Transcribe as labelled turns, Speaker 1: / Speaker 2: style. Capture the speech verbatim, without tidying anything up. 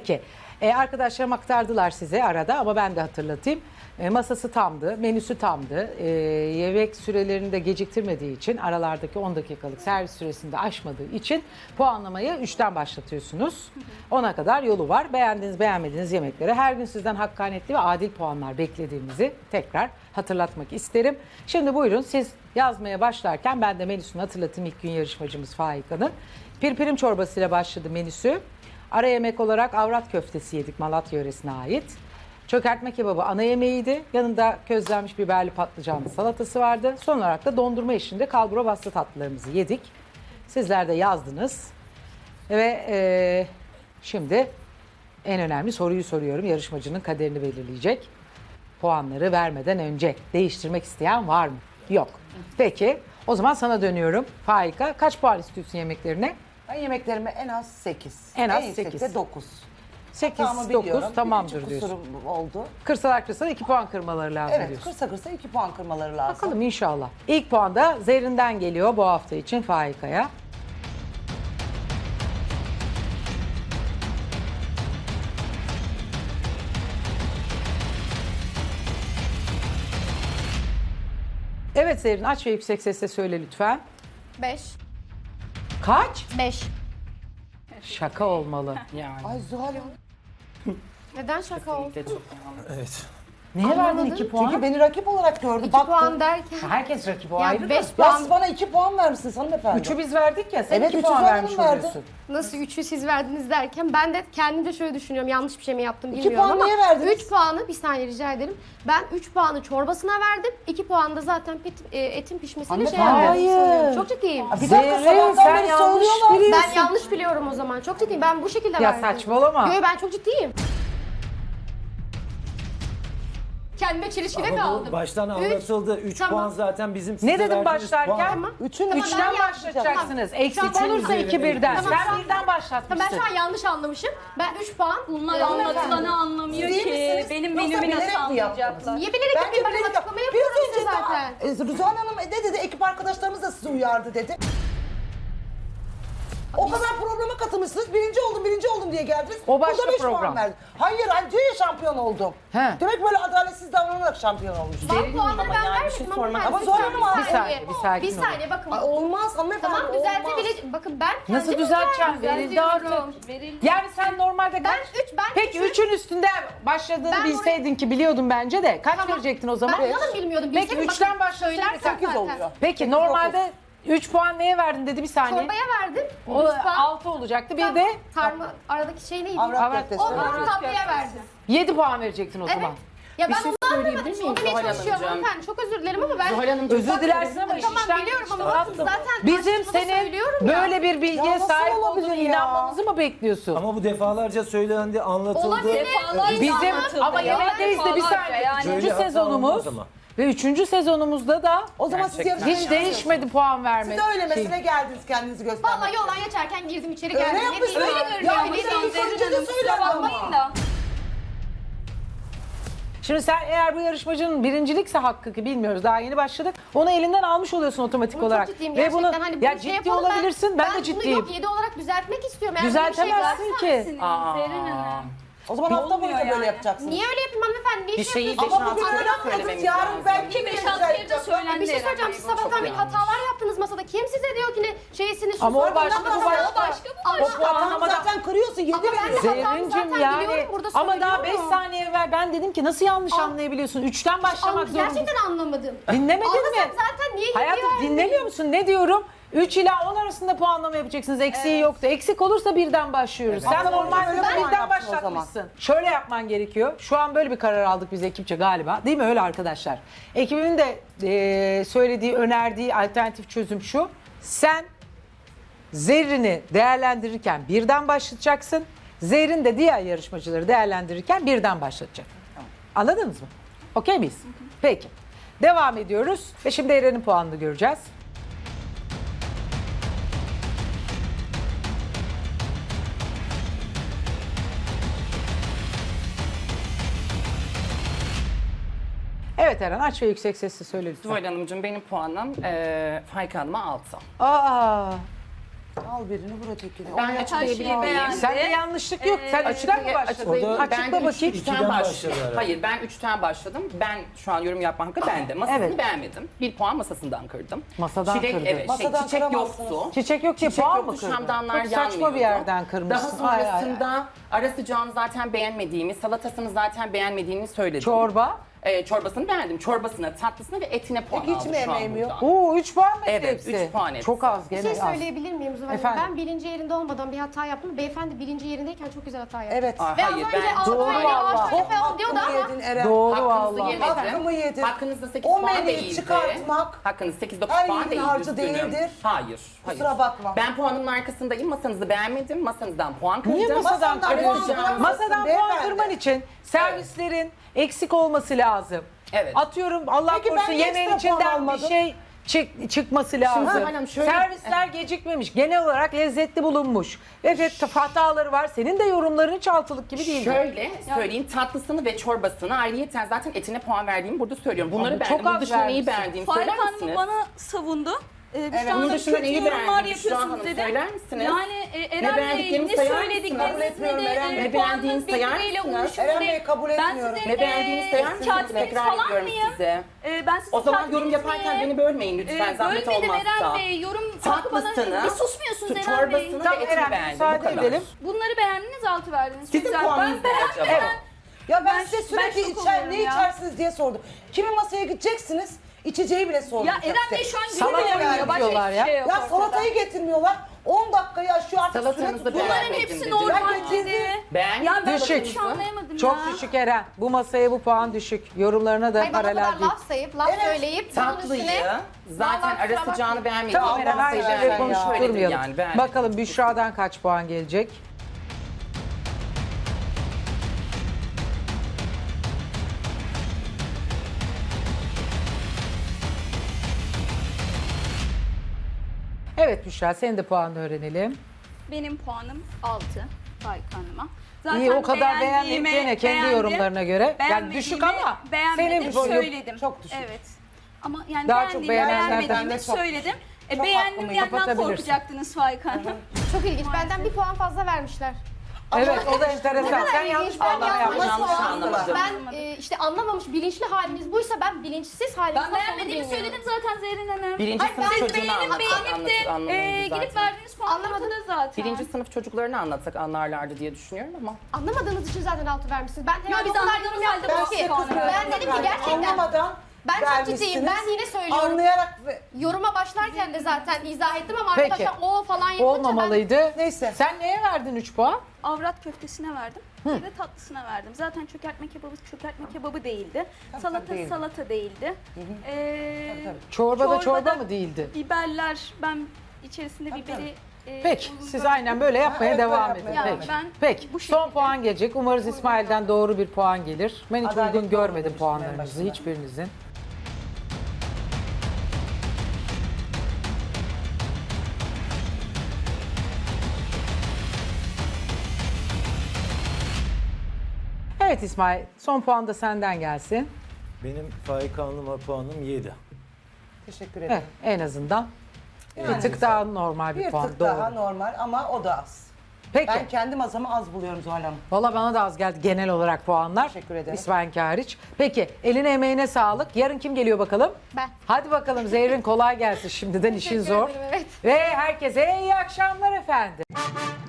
Speaker 1: Peki. E, arkadaşlarım aktardılar size arada ama ben de hatırlatayım. E, masası tamdı, menüsü tamdı. E, yemek sürelerini de geciktirmediği için, aralardaki on dakikalık servis süresini de aşmadığı için puanlamayı üçten başlatıyorsunuz. ona kadar yolu var. Beğendiğiniz, beğenmediğiniz yemeklere her gün sizden hakkaniyetli ve adil puanlar beklediğimizi tekrar hatırlatmak isterim. Şimdi buyurun siz yazmaya başlarken ben de menüsünü hatırlatayım. İlk gün yarışmacımız Faika'nın. Pirpirim çorbasıyla başladı menüsü. Ara yemek olarak avrat köftesi yedik, Malatya yöresine ait. Çökertme kebabı ana yemeğiydi. Yanında közlenmiş biberli patlıcanlı salatası vardı. Son olarak da dondurma eşliğinde kalbura bastı tatlılarımızı yedik. Sizler de yazdınız. Ve e, şimdi en önemli soruyu soruyorum. Yarışmacının kaderini belirleyecek. Puanları vermeden önce değiştirmek isteyen var mı? Yok. Peki o zaman sana dönüyorum. Faika, kaç puan istiyorsun yemeklerine?
Speaker 2: Ben yemeklerime en az sekiz.
Speaker 1: En az
Speaker 2: yüksekte
Speaker 1: sekiz.
Speaker 2: dokuz.
Speaker 1: sekiz,
Speaker 2: Hatamı
Speaker 1: dokuz
Speaker 2: biliyorum. Bir
Speaker 1: tamamdır
Speaker 2: küçük
Speaker 1: diyorsun.
Speaker 2: kusurum oldu.
Speaker 1: Kırsalar kırsalar iki puan kırmaları lazım
Speaker 2: Evet,
Speaker 1: diyorsun.
Speaker 2: kırsa kırsa iki puan kırmaları lazım.
Speaker 1: Bakalım inşallah. İlk puan da Zerrin'den geliyor bu hafta için Faika'ya. Evet Zerrin, aç ve yüksek sesle söyle lütfen.
Speaker 3: beş.
Speaker 1: Kaç?
Speaker 3: beş.
Speaker 1: Şaka olmalı.
Speaker 2: Ay Zuhal Hanım.
Speaker 3: Neden şaka oldu?
Speaker 4: Evet.
Speaker 1: Neye verdin iki puan?
Speaker 2: Çünkü beni rakip olarak gördü.
Speaker 3: iki
Speaker 2: baktı.
Speaker 3: puan derken.
Speaker 1: Herkes rakip o
Speaker 3: Ya
Speaker 1: ayrı
Speaker 3: beş
Speaker 1: da.
Speaker 2: Ya
Speaker 3: puan.
Speaker 2: siz bana iki puan vermişsiniz hanımefendi.
Speaker 1: Üçü biz verdik ya, sen
Speaker 2: Evet,
Speaker 1: iki
Speaker 2: üçü
Speaker 1: puan
Speaker 2: Zuhal
Speaker 1: vermiş
Speaker 2: Hanım verdi.
Speaker 1: oluyorsun.
Speaker 3: Nasıl üçü siz verdiniz derken ben de kendimce şöyle düşünüyorum. Yanlış bir şey mi yaptım
Speaker 2: İki
Speaker 3: bilmiyorum
Speaker 2: puan
Speaker 3: ama.
Speaker 2: niye verdiniz?
Speaker 3: üç puanı bir saniye rica ederim. Ben üç puanı çorbasına verdim. iki puanı da zaten pit, e, etin pişmesine şey
Speaker 2: Hanımefendi.
Speaker 3: yapıyorum.
Speaker 1: Hayır.
Speaker 3: Çok ciddiyim.
Speaker 2: Bir dakika
Speaker 1: Zerrin,
Speaker 2: sabahtan
Speaker 1: sen
Speaker 2: beri
Speaker 1: yanlış
Speaker 2: söylüyorlar.
Speaker 1: biliyorsun.
Speaker 3: Ben yanlış biliyorum o zaman. Çok ciddiyim. Ben bu şekilde
Speaker 1: Ya
Speaker 3: verdim.
Speaker 1: saçmalama.
Speaker 3: Yo ben çok ciddiyim. Kendime çelişkide
Speaker 4: Ama bu
Speaker 3: kaldım.
Speaker 4: baştan
Speaker 3: Üç.
Speaker 4: anlatıldı. üç
Speaker 3: Tamam.
Speaker 4: puan zaten bizim size
Speaker 1: Ne dedim
Speaker 4: verdiğiniz
Speaker 1: başlarken?
Speaker 4: puan.
Speaker 3: Tamam.
Speaker 2: Üçün
Speaker 3: Tamam,
Speaker 1: Üçten
Speaker 3: ben
Speaker 1: başlatacaksınız.
Speaker 3: Tamam.
Speaker 1: Eksik
Speaker 3: Şu an-
Speaker 1: olursa iki birden.
Speaker 3: Tamam, şu
Speaker 1: Sen
Speaker 3: an-
Speaker 1: birden
Speaker 3: Tamam,
Speaker 1: başlatmışsın.
Speaker 3: ben şu an yanlış anlamışım. Ben üç puan.
Speaker 5: Bunlar
Speaker 3: e,
Speaker 5: anlatılanı anlamıyor
Speaker 2: Siz iyi
Speaker 5: ki.
Speaker 2: misiniz?
Speaker 5: Benim
Speaker 2: Yoksa
Speaker 5: menümü
Speaker 2: bilerek
Speaker 5: nasıl
Speaker 2: mi yaptınız?
Speaker 5: anlayacaklar?
Speaker 3: Niye bilerek
Speaker 2: Bence
Speaker 3: yapayım? Ben
Speaker 2: bilerek
Speaker 3: açıklama
Speaker 2: yap-
Speaker 3: yapıyorum
Speaker 2: Biraz
Speaker 3: işte
Speaker 2: önce
Speaker 3: zaten.
Speaker 2: daha- e, Zuhal Hanım ne dedi? Ekip arkadaşlarımız da sizi uyardı dedi. O kadar programa katılmışsınız. Birinci oldum, birinci oldum diye geldiniz.
Speaker 1: O başka
Speaker 2: Burada beş
Speaker 1: program.
Speaker 2: puan verdi. Hayır, hani diyor ya şampiyon oldum.
Speaker 1: He.
Speaker 2: Demek böyle adaletsiz davranarak şampiyon olmuşsunuz.
Speaker 3: Ben puanları ben vermedim ama
Speaker 2: Ama
Speaker 3: bir
Speaker 2: Zuhal
Speaker 3: saniye,
Speaker 2: Hanım,
Speaker 1: bir saniye, bir sakin
Speaker 3: Bir
Speaker 1: olun.
Speaker 3: saniye bakın.
Speaker 2: Ay, olmaz hanımefendi,
Speaker 3: Tamam
Speaker 2: olmaz.
Speaker 3: düzeltebileceğim. Bakın ben kendim
Speaker 1: Nasıl düzelteceğim? Verildi artık.
Speaker 5: Verildi.
Speaker 1: Yani sen normalde kaç?
Speaker 3: Ben üç, ben
Speaker 1: Peki
Speaker 3: üçün-
Speaker 1: üçün üstünde başladığını
Speaker 3: Ben
Speaker 1: bilseydin ki biliyordun bence de. Kaç
Speaker 3: Tamam.
Speaker 1: verecektin o zaman?
Speaker 3: Ben inanın bilmiyordum.
Speaker 1: Peki
Speaker 3: Bilseydim
Speaker 1: üçten
Speaker 3: bakın,
Speaker 1: başlasaydın
Speaker 3: söylersen
Speaker 1: sekiz
Speaker 3: zaten.
Speaker 2: oluyor.
Speaker 1: Peki
Speaker 2: Sekiz,
Speaker 1: normalde üç puan neye verdin dedi bir saniye.
Speaker 3: Çorbaya verdim.
Speaker 1: O
Speaker 3: üç puan.
Speaker 1: altı olacaktı. Bir
Speaker 3: Tamam,
Speaker 1: de
Speaker 3: Tarma, aradaki şey neydi?
Speaker 2: Avrat
Speaker 1: Avrat-
Speaker 2: köftesi.
Speaker 3: Onu tatlıya verdim.
Speaker 1: yedi puan verecektin o
Speaker 3: Evet.
Speaker 1: zaman.
Speaker 3: Ya ben
Speaker 6: şey
Speaker 3: onu
Speaker 6: söyleyebilir
Speaker 3: anlamadım.
Speaker 6: miyim
Speaker 3: Onu demeye
Speaker 6: Zuhal
Speaker 3: çalışıyorum
Speaker 6: Hanımcığım?
Speaker 3: hanımefendi. Çok özür dilerim ama ben...
Speaker 6: Zuhal Hanımcığım,
Speaker 1: Özür dilersin ama iş
Speaker 3: Tamam
Speaker 1: işten
Speaker 3: biliyorum
Speaker 1: geçti
Speaker 3: ama
Speaker 1: tatlım.
Speaker 3: zaten
Speaker 1: Bizim
Speaker 3: karşılıklı
Speaker 1: senin
Speaker 3: söylüyorum ya.
Speaker 1: böyle bir bilgiye
Speaker 2: Ya nasıl
Speaker 1: sahip
Speaker 2: olabilir
Speaker 1: olduğunu
Speaker 2: ya?
Speaker 1: inanmamızı mı bekliyorsun?
Speaker 4: Ama bu defalarca söylendi, anlatıldı.
Speaker 3: Olabilir.
Speaker 5: Defalarca
Speaker 1: Bizim
Speaker 5: anlatıldı
Speaker 1: ama
Speaker 5: ya.
Speaker 1: yemekteyiz de bir
Speaker 5: Defalarca
Speaker 1: saniye.
Speaker 5: yani.
Speaker 1: Üçüncü
Speaker 4: Böyle hata
Speaker 1: sezonumuz
Speaker 4: olmaz ama.
Speaker 1: ve üçüncü sezonumuzda da
Speaker 2: O zaman siz
Speaker 4: Gerçekten.
Speaker 2: yarışmaya
Speaker 1: hiç değişmedi puan verme.
Speaker 2: Siz de öyle
Speaker 1: şey.
Speaker 2: mesele geldiniz kendinizi göstermek.
Speaker 3: Vallahi yoldan geçerken girdim içeri
Speaker 2: Öyle
Speaker 3: geldim. Ne
Speaker 2: yapmışsın.
Speaker 3: diyeyim?
Speaker 2: Öyle
Speaker 3: Öyle
Speaker 2: Ya
Speaker 3: görünüyor.
Speaker 2: bu
Speaker 3: Ne
Speaker 2: sefer
Speaker 3: diyeyim?
Speaker 2: son
Speaker 5: Zerrin
Speaker 2: cümle
Speaker 5: Hanım,
Speaker 2: söylendi
Speaker 5: kusura
Speaker 2: ama.
Speaker 5: bakmayın da.
Speaker 1: Şimdi sen eğer bu yarışmacının birincilikse hakkı ki bilmiyoruz daha yeni başladık. Onu elinden almış oluyorsun otomatik
Speaker 3: Bunu
Speaker 1: olarak.
Speaker 3: çok ciddiyim
Speaker 1: Ve
Speaker 3: gerçekten.
Speaker 1: bunu
Speaker 3: Hani bunu
Speaker 1: ya
Speaker 3: şey
Speaker 1: ciddi
Speaker 3: yapalım,
Speaker 1: olabilirsin. Ben, de
Speaker 3: bunu
Speaker 1: ciddiyim.
Speaker 3: yok yedi olarak düzeltmek istiyorum. Eğer böyle bir şey
Speaker 1: Düzeltemezsin
Speaker 3: varsa-
Speaker 1: ki.
Speaker 6: Aa.
Speaker 5: Zerrin Hanım.
Speaker 2: O zaman hafta boyunca
Speaker 5: Olmuyor
Speaker 2: böyle
Speaker 5: yani.
Speaker 2: yapacaksınız.
Speaker 3: Niye öyle yapayım hanımefendi? Ne
Speaker 6: Bir
Speaker 3: iş
Speaker 6: şeyi
Speaker 3: yapıyorsunuz?
Speaker 2: Ama bugün
Speaker 6: Beş,
Speaker 2: öyle
Speaker 6: altı
Speaker 2: yapmadınız.
Speaker 6: söylememiz
Speaker 2: Yarın
Speaker 6: lazım.
Speaker 2: belki
Speaker 5: Ki beş
Speaker 2: yine
Speaker 5: altı kere de
Speaker 2: düzelteceksiniz.
Speaker 5: söylendi.
Speaker 3: Bir şey söyleyeceğim. Siz sabahtan beri hatalar yaptınız masada. Kim size diyor ki ne şeysini şu
Speaker 1: Ama o
Speaker 3: sorundan
Speaker 1: başka, bu
Speaker 3: bahsediyor?
Speaker 1: başka.
Speaker 3: O başka bu
Speaker 2: O
Speaker 3: başka.
Speaker 2: puanı zaten kırıyorsun. Yedi
Speaker 3: Ama ben de
Speaker 2: veriyorsun.
Speaker 3: hatamı
Speaker 1: Zerrincim
Speaker 3: zaten
Speaker 1: yani
Speaker 3: biliyorum, burada
Speaker 1: ama daha beş
Speaker 3: söylüyorum.
Speaker 1: saniye evvel ben dedim ki nasıl yanlış
Speaker 3: Aa.
Speaker 1: anlayabiliyorsun? Üçten başlamak
Speaker 3: An-
Speaker 1: zorundasın.
Speaker 3: Gerçekten anlamadım.
Speaker 1: Dinlemedin
Speaker 3: Anlasam
Speaker 1: mi?
Speaker 3: zaten niye
Speaker 1: Hayatım
Speaker 3: gidiyor?
Speaker 1: dinlemiyor musun? Ne diyorum? üç ila on arasında puanlama yapacaksınız. Eksiği yoktu. Eksik olursa birden başlıyoruz. Sen
Speaker 2: Hafta boyunca
Speaker 1: normalde
Speaker 2: öyle puan
Speaker 1: birden
Speaker 2: yaptın o
Speaker 1: başlatmışsın. Şöyle yapman gerekiyor. Şu an böyle bir karar aldık biz ekipçe galiba. Değil mi öyle arkadaşlar? Ekibimin de eee, söylediği, önerdiği alternatif çözüm şu. Sen Zerrin'i değerlendirirken birden başlatacaksın. Zerrin de diğer yarışmacıları değerlendirirken birden başlatacak. Anladınız mı? Okey miyiz? Peki. Devam ediyoruz ve şimdi Eren'in puanını göreceğiz. Evet Eren aç ve yüksek sesle söyle lütfen.
Speaker 6: Zuhal Hanımcığım benim puanım e, Faik Hanım'a altı.
Speaker 1: Aa,
Speaker 2: Al birini vur ötekini.
Speaker 5: Ben
Speaker 2: Onu
Speaker 5: açıklayabilir
Speaker 6: şeyi
Speaker 5: miyim?
Speaker 6: beğendim.
Speaker 1: Sende yanlışlık yok. Sen üçten mi başladın?
Speaker 5: Açıklayayım.
Speaker 1: Açıkla
Speaker 5: Ben üç-
Speaker 1: bakayım.
Speaker 5: üçten
Speaker 4: İkiden
Speaker 5: başladım.
Speaker 4: başladı herhalde.
Speaker 5: Hayır ben üçten başladım. Ben şu an yorum yapma hakkı bende. Masasını
Speaker 1: Evet.
Speaker 5: beğenmedim. Bir puan masasından kırdım.
Speaker 1: Masadan
Speaker 5: Çilek,
Speaker 1: kırdın.
Speaker 5: Evet,
Speaker 2: Masadan
Speaker 5: şey, çiçek
Speaker 2: kıramazsınız.
Speaker 5: yoktu.
Speaker 1: Çiçek yok diye
Speaker 5: Çiçek
Speaker 1: puan
Speaker 5: yoktu,
Speaker 1: mı kırdın?
Speaker 5: şamdanlar
Speaker 1: Çok saçma bir
Speaker 5: yanmıyordu.
Speaker 1: yerden kırmışsın.
Speaker 5: Daha
Speaker 1: Ay, ay, ay.
Speaker 5: sonrasında ara sıcağını zaten beğenmediğimi, salatasını zaten beğenmediğimi söyledim.
Speaker 1: Çorba.
Speaker 5: Ee, çorbasını beğendim. Çorbasına, tatlısına ve etine puan
Speaker 2: Peki hiç
Speaker 5: aldım
Speaker 2: mi
Speaker 5: şu an
Speaker 2: emeğim yok?
Speaker 5: buradan.
Speaker 1: Oo üç puan mı etti
Speaker 5: Evet,
Speaker 1: hepsi?
Speaker 5: üç puan etti.
Speaker 1: Çok az
Speaker 3: Bir
Speaker 1: gene
Speaker 3: şey
Speaker 1: az.
Speaker 3: söyleyebilir miyim Zuhal Hanım?
Speaker 1: Efendim?
Speaker 3: Ben birinci yerinde olmadan bir hata yaptım. Beyefendi birinci yerindeyken çok güzel hata yaptı.
Speaker 2: Evet.
Speaker 5: Aa,
Speaker 3: Ve az
Speaker 5: hayır
Speaker 3: önce
Speaker 5: ben
Speaker 3: altı
Speaker 1: Doğru
Speaker 3: böyle
Speaker 1: vallahi.
Speaker 3: ağaçlar
Speaker 2: Çok
Speaker 3: tepe ol diyordu
Speaker 2: hakkımı
Speaker 3: ama
Speaker 2: yedin Eren.
Speaker 1: Doğru
Speaker 5: Hakkınızı
Speaker 1: vallahi.
Speaker 5: yemedim.
Speaker 2: Hakkımı yedin.
Speaker 5: Hakkınızda sekiz
Speaker 2: O
Speaker 5: puan
Speaker 2: menüyü
Speaker 5: değildi.
Speaker 2: çıkartmak
Speaker 5: Hakkınızda sekiz dokuz
Speaker 2: her
Speaker 5: puan
Speaker 2: yiğidin
Speaker 5: değildi.
Speaker 2: harcı
Speaker 5: üzgünüm.
Speaker 2: değildir.
Speaker 5: Hayır. hayır.
Speaker 2: Kusura bakma.
Speaker 5: Ben puanımın arkasındayım. Masanızı beğenmedim. Masanızdan puan kırdım.
Speaker 1: Niye masadan
Speaker 2: Masadan
Speaker 1: kırıyorsun?
Speaker 2: puan
Speaker 1: Masadan puan
Speaker 2: beyefendi.
Speaker 1: kırman için servislerin eksik olması lazım.
Speaker 5: Evet.
Speaker 1: Atıyorum Allah
Speaker 2: Peki ben
Speaker 1: korusun
Speaker 2: niye
Speaker 1: yemeğin
Speaker 2: ekstra puan
Speaker 1: içinden bir
Speaker 2: almadım?
Speaker 1: şey çık, çıkması lazım.
Speaker 5: hanım şöyle-
Speaker 1: Servisler gecikmemiş. Genel olarak lezzetli bulunmuş. Evet hataları var. Senin de yorumların hiç altılık gibi değil.
Speaker 5: Şöyle söyleyeyim, tatlısını ve çorbasını ayrıyeten zaten etine puan verdiğimi burada söylüyorum. Bunları
Speaker 1: Ama
Speaker 5: beğendim.
Speaker 1: çok
Speaker 5: Bunun
Speaker 1: az
Speaker 5: dışında neyi
Speaker 1: vermişsin.
Speaker 5: beğendiğimi
Speaker 6: Faik
Speaker 5: söyler
Speaker 6: Hanım
Speaker 5: misiniz?
Speaker 6: bana savundu. Ee, Büşra
Speaker 5: Evet, bunun
Speaker 6: Hanım
Speaker 5: dışında
Speaker 6: kötü
Speaker 5: neyi
Speaker 6: yorumlar
Speaker 5: beğendin Büşra
Speaker 6: yapıyorsunuz
Speaker 5: Hanım?
Speaker 6: dedi.
Speaker 5: Söyler misiniz?
Speaker 6: Yani e,
Speaker 5: Ne
Speaker 6: Eren Bey
Speaker 5: beğendiklerimi
Speaker 6: ne
Speaker 5: sayar mısınız?
Speaker 6: söyledikleriniz
Speaker 2: Kabul
Speaker 6: ne
Speaker 2: etmiyorum Eren
Speaker 6: de
Speaker 2: Bey.
Speaker 6: e,
Speaker 5: Ne beğendiğini
Speaker 6: puanınız
Speaker 5: sayar
Speaker 6: birbiriyle
Speaker 5: mısınız?
Speaker 6: uyuşmuş
Speaker 2: Eren
Speaker 6: değil.
Speaker 2: Bey kabul
Speaker 6: Ben
Speaker 2: etmiyorum.
Speaker 6: sizin
Speaker 5: Ne beğendiğini sayar
Speaker 6: e,
Speaker 5: mısınız?
Speaker 6: katibiniz
Speaker 5: Tekrar
Speaker 6: falan
Speaker 5: ediyorum
Speaker 6: mıyım?
Speaker 5: size.
Speaker 6: E, ben sizin
Speaker 5: O zaman yorum
Speaker 6: katibiniz
Speaker 5: yaparken
Speaker 6: miyim?
Speaker 5: beni bölmeyin lütfen,
Speaker 6: E,
Speaker 5: zahmet
Speaker 6: bölmedim
Speaker 5: olmazsa.
Speaker 6: Eren Bey. Yorum hakkı bana
Speaker 5: Tatlısını,
Speaker 6: bir susmuyorsunuz
Speaker 5: su-
Speaker 6: Eren Bey.
Speaker 5: çorbasını
Speaker 1: Tamam,
Speaker 5: ve etini
Speaker 1: Eren,
Speaker 5: beğendim.
Speaker 1: müsaade
Speaker 5: Bu kadar.
Speaker 1: edelim.
Speaker 6: Bunları beğendiniz, altı verdiniz. Çok
Speaker 5: Sizin
Speaker 6: güzel.
Speaker 5: puanınız
Speaker 6: Ben
Speaker 5: ne
Speaker 6: beğendim.
Speaker 5: acaba?
Speaker 1: Evet.
Speaker 2: Ya ben,
Speaker 6: Ben-
Speaker 2: size
Speaker 6: ben
Speaker 2: sürekli
Speaker 6: şok
Speaker 2: içer,
Speaker 6: oluyorum
Speaker 2: ne
Speaker 6: ya.
Speaker 2: içersiniz diye sordum. Kimin masaya gideceksiniz? İçeceği bile sordum.
Speaker 6: Ya Eren Bey şu an
Speaker 1: Salata
Speaker 6: gülüyor ya.
Speaker 1: yiyor
Speaker 6: Başka
Speaker 1: diyorlar
Speaker 6: hiçbir
Speaker 1: ya.
Speaker 6: şey yok
Speaker 2: Ya
Speaker 6: ortada.
Speaker 2: salatayı getirmiyorlar. on dakikayı aşıyor artık süre
Speaker 5: Salatanızı
Speaker 2: tutuyor.
Speaker 6: Bunların
Speaker 5: beğenmedim
Speaker 6: hepsi
Speaker 5: dedi.
Speaker 6: normal
Speaker 2: Ben
Speaker 6: dedi.
Speaker 2: getirdim.
Speaker 5: Beğendim.
Speaker 6: Ya ben
Speaker 1: Düşük.
Speaker 6: hiç anlayamadım
Speaker 1: Çok
Speaker 6: ya.
Speaker 1: düşük Eren. Bu masaya bu puan düşük. Yorumlarına da
Speaker 3: Hayır bana o
Speaker 1: paralel
Speaker 3: kadar
Speaker 1: değil.
Speaker 3: laf sayıp, laf
Speaker 2: Evet.
Speaker 3: söyleyip bunun
Speaker 5: Tatlıyı
Speaker 3: üstüne...
Speaker 5: zaten
Speaker 3: Vallahi
Speaker 5: ara
Speaker 3: kusura
Speaker 5: sıcağını
Speaker 3: bakmayın.
Speaker 5: beğenmedim.
Speaker 1: Tamam Eren
Speaker 5: Allah'ın
Speaker 1: her
Speaker 5: sevdiği
Speaker 1: şeyde
Speaker 5: şeyleri söyledim
Speaker 1: konuşturmayalım.
Speaker 5: yani, beğendim.
Speaker 1: Bakalım Büşra'dan kaç puan gelecek? Evet Büşra senin de puanını öğrenelim.
Speaker 6: Benim puanım altı Faik Hanım'a. Zaten
Speaker 1: İyi o kadar beğenmeyip
Speaker 6: beğendiğimi
Speaker 1: gene kendi
Speaker 6: beğendim,
Speaker 1: yorumlarına göre. Yani düşük
Speaker 6: beğenmediğimi
Speaker 1: ama
Speaker 6: beğenmedim,
Speaker 1: senin
Speaker 6: söyledim.
Speaker 2: çok düşük.
Speaker 6: Evet. Ama yani
Speaker 1: Daha çok
Speaker 6: beğendiğimi
Speaker 1: beğenenlerden
Speaker 6: beğenmediğimi
Speaker 2: de çok
Speaker 6: söyledim. E,
Speaker 2: Çok
Speaker 6: beğendim
Speaker 2: hakkımı
Speaker 6: diyenden
Speaker 1: kapatabilirsin.
Speaker 6: korkacaktınız Faik Hanım.
Speaker 3: Çok ilginç. Benden bir puan fazla vermişler.
Speaker 1: Evet o da enteresan. Sen yanlış
Speaker 3: İlginç. Ben
Speaker 1: puanlama
Speaker 3: yanlış
Speaker 1: yapmışsın.
Speaker 5: yanlış
Speaker 3: puan-
Speaker 5: anlamadım.
Speaker 3: Ben e, işte anlamamış bilinçli haliniz buysa ben bilinçsiz haliniz
Speaker 6: Ben
Speaker 3: nasıl olur
Speaker 6: beğenmediğimi
Speaker 3: bilmiyorum.
Speaker 6: söyledim zaten Zerrin Hanım.
Speaker 5: Birinci
Speaker 3: Hayır,
Speaker 5: sınıf
Speaker 3: ben
Speaker 5: çocuğunu
Speaker 6: Beğenip
Speaker 5: anlatsak
Speaker 6: beğenip de
Speaker 5: anlatır,
Speaker 6: e,
Speaker 5: anlarız
Speaker 6: gidip
Speaker 5: zaten.
Speaker 6: verdiğiniz puan
Speaker 3: Anlamadım.
Speaker 6: ortada zaten.
Speaker 5: Birinci sınıf çocuklarını anlatsak anlarlardı diye düşünüyorum ama.
Speaker 3: Anlamadığınız için zaten altı vermişsiniz. Ben herhalde
Speaker 6: biz
Speaker 3: o kadar
Speaker 6: anladığımız
Speaker 3: yorum
Speaker 6: halde
Speaker 3: yaptım
Speaker 6: bu
Speaker 3: ki.
Speaker 6: size kızmıyorum.
Speaker 3: Ben dedim ki gerçekten
Speaker 2: Anlamadan
Speaker 3: ben çok
Speaker 2: vermişsiniz.
Speaker 3: ciddiyim. Ben yine söylüyorum.
Speaker 2: Anlayarak ve...
Speaker 3: Yoruma başlarken de zaten izah ettim ama
Speaker 1: Peki.
Speaker 3: arkadaşlar o falan yapınca
Speaker 1: Olmamalıydı.
Speaker 2: Neyse.
Speaker 1: Sen neye verdin üç puan?
Speaker 6: Avrat köftesine verdim. Bir de tatlısına verdim. Zaten çökertme kebabı çökertme kebabı değildi. salata
Speaker 2: değildi.
Speaker 6: salata değildi. Ee,
Speaker 1: Çorbada çorba
Speaker 6: Çorbada-
Speaker 1: mı değildi?
Speaker 6: biberler ben içerisinde biberi e,
Speaker 1: Peki
Speaker 6: bulundurdum.
Speaker 1: siz aynen böyle yapmaya
Speaker 2: Evet,
Speaker 1: devam
Speaker 2: böyle
Speaker 1: edin.
Speaker 2: yapmaya
Speaker 1: Peki.
Speaker 6: devam. Ben
Speaker 1: Peki
Speaker 6: bu
Speaker 1: son
Speaker 6: şekilde-
Speaker 1: puan gelecek. Umarız İsmail'den doğru bir puan gelir. Ben hiç
Speaker 2: Adaletli
Speaker 1: uygun görmedim
Speaker 2: olmamıştım en
Speaker 1: puanlarınızı
Speaker 2: başında.
Speaker 1: hiçbirinizin. Evet İsmail son puan da senden gelsin.
Speaker 4: Benim Faik Hanım'a puanım yedi.
Speaker 2: Teşekkür
Speaker 1: Evet,
Speaker 2: ederim.
Speaker 1: en azından bir
Speaker 2: Yani.
Speaker 1: tık daha normal bir,
Speaker 2: Bir
Speaker 1: puan.
Speaker 2: tık
Speaker 1: Doğru.
Speaker 2: daha normal ama o da az.
Speaker 1: Peki.
Speaker 2: Ben kendi masamı az buluyorum Zuhal Hanım.
Speaker 1: Valla bana da az geldi genel olarak puanlar.
Speaker 2: Teşekkür ederim.
Speaker 1: İsmail hariç. Peki eline emeğine sağlık. Yarın kim geliyor bakalım?
Speaker 3: Ben.
Speaker 1: Hadi bakalım Zehrin kolay gelsin şimdiden işin
Speaker 3: Teşekkür
Speaker 1: zor.
Speaker 3: ederim, evet.
Speaker 1: Ve herkese iyi akşamlar efendim.